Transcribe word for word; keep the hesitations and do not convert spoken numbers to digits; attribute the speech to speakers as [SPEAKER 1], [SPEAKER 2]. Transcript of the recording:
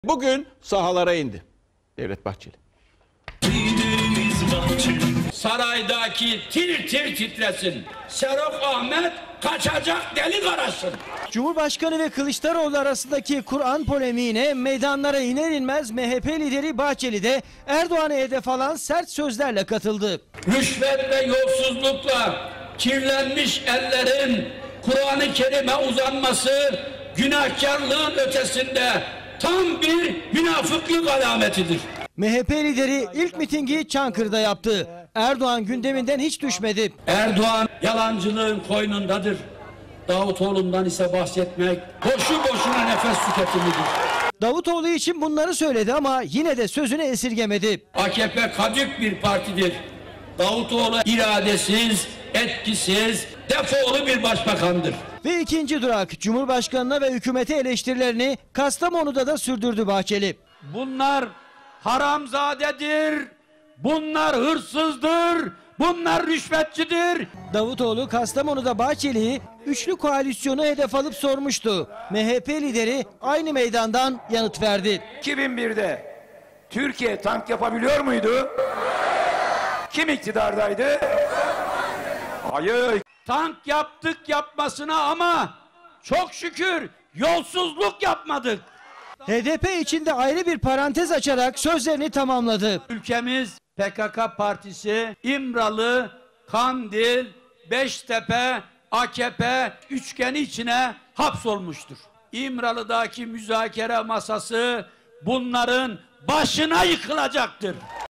[SPEAKER 1] Bugün sahalara indi Devlet Bahçeli.
[SPEAKER 2] Saraydaki tir tir titresin. Serok Ahmet kaçacak delik arasın.
[SPEAKER 3] Cumhurbaşkanı ve Kılıçdaroğlu arasındaki Kur'an polemiğine meydanlara iner inmez M H P lideri Bahçeli de Erdoğan'a hedef alan sert sözlerle katıldı.
[SPEAKER 2] Rüşvet ve yolsuzlukla kirlenmiş ellerin Kur'an-ı Kerim'e uzanması günahkarlığın ötesinde tam bir münafıklık alametidir.
[SPEAKER 3] M H P lideri ilk mitingi Çankırı'da yaptı. Erdoğan gündeminden hiç düşmedi.
[SPEAKER 2] Erdoğan yalancılığın koynundadır. Davutoğlu'ndan ise bahsetmek boşu boşuna nefes tüketimidir.
[SPEAKER 3] Davutoğlu için bunları söyledi ama yine de sözünü esirgemedi.
[SPEAKER 2] A K P kadük bir partidir. Davutoğlu iradesiz, etkisiz, defolu bir başbakandır.
[SPEAKER 3] Ve ikinci durak Cumhurbaşkanı'na ve hükümete eleştirilerini Kastamonu'da da sürdürdü Bahçeli.
[SPEAKER 2] Bunlar haramzadedir, bunlar hırsızdır, bunlar rüşvetçidir.
[SPEAKER 3] Davutoğlu Kastamonu'da Bahçeli'yi üçlü koalisyonu hedef alıp sormuştu. M H P lideri aynı meydandan yanıt verdi.
[SPEAKER 4] iki bin birde Türkiye tank yapabiliyor muydu? Kim iktidardaydı? Hayır.
[SPEAKER 2] Tank yaptık yapmasına ama çok şükür yolsuzluk yapmadık.
[SPEAKER 3] H D P içinde ayrı bir parantez açarak sözlerini tamamladı.
[SPEAKER 2] Ülkemiz P K K partisi, İmralı, Kandil, Beştepe, A K P üçgeni içine hapsolmuştur. İmralı'daki müzakere masası bunların başına yıkılacaktır.